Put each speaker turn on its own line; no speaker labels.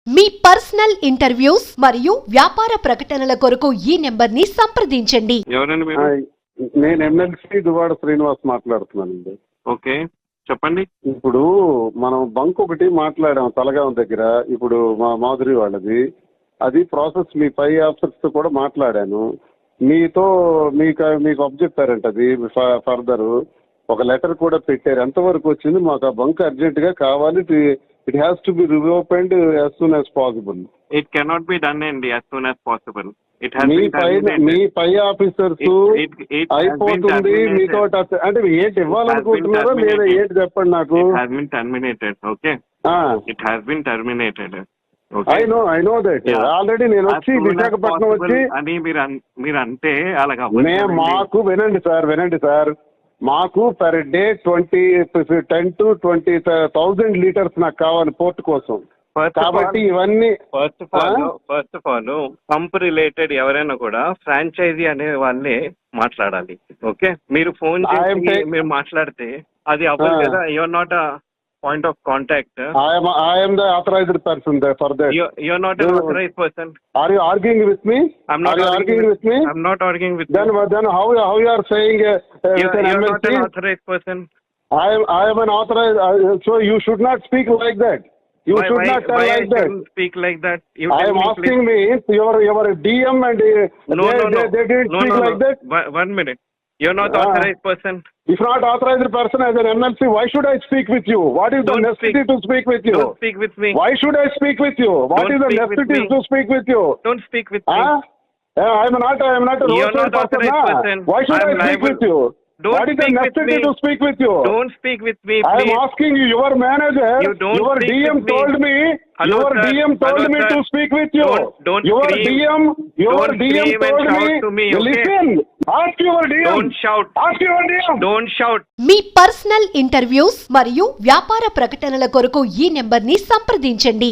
మీ personal interviews మరియు వ్యాపార ప్రకటనల కొరకు ఈ నెంబర్ ని సంప్రదించండి.
ఎవరండి మీరు?
నేను ఎమ్మెల్సీ దువాడ శ్రీనివాస్ మాట్లాడుతున్నానండి.
ఓకే, చెప్పండి.
ఇప్పుడు మనం బంక్ ఒకటి మాట్లాడాం తలగాం దగ్గర, ఇప్పుడు మా మాధురి వాళ్ళది. అది ప్రాసెస్ మీ పై ఆఫీసర్స్ తో కూడా మాట్లాడాను. మీకు అప్ చెప్పారంట, అది ఫర్దర్ ఒక లెటర్ కూడా పెట్టారు. ఎంతవరకు వచ్చింది? మాకు ఆ బంక్ అర్జెంట్ గా కావాలి. It has to be reopened as soon as possible.
It cannot be done అండి యాజ్ సూన్ యాజ్ పాసిబుల్.
మీ పై ఆఫీసర్స్ అయిపోతుంది మీతో అంటే ఏంటి ఇవ్వాలనుకుంటున్నారో లేదా ఏంటి చెప్పండి నాకు.
Okay, it has been terminated.
I know that already. నేను వచ్చి విశాఖపట్నం వచ్చి
అని మీరు అంటే అలాగా
మాకు వినండి సార్, మాకు పర్ డే 10 to 20,000 లీటర్స్ నాకు కావాలి పోర్ట్ కోసం. కాబట్టి ఇవన్నీ
first of all pump related ఎవరైనా కూడా ఫ్రాంచైజీ అనే వాళ్ళే మాట్లాడాలి. ఓకే, మీరు ఫోన్ చేసి మీరు మాట్లాడితే అది అవ్వదు కదా. Your not a point of contact.
I am the authorized person there for that.
You're not an authorized person.
Are you arguing with me?
I'm not arguing with me. I'm not arguing with
then
you.
Then how you are saying
you're not an authorized person.
I am an authorized, so you should not speak like that. You should not tell like that.
Speak like that.
I am asking me, your DM and they didn't speak like that.
1 minute. You're not authorized person.
If not authorized person as an MLC, why should I speak with you? What is the necessity to speak with you?
Don't speak with me.
Why should I speak with you? What is the necessity to speak with you?
Don't speak with me.
I am not a roadside person. Why should I speak with you? What is the necessity to speak with you?
Don't speak with me,
please. I am asking you, your manager, your DM told me, your DM told me to speak with you. Your DM told me, listen, ask your DM.
Don't shout.
Ask your DM.
Don't shout.
మీ personal interviews మరియు వ్యాపార ప్రకటనల కొరకు ఈ number ని సంప్రదించండి.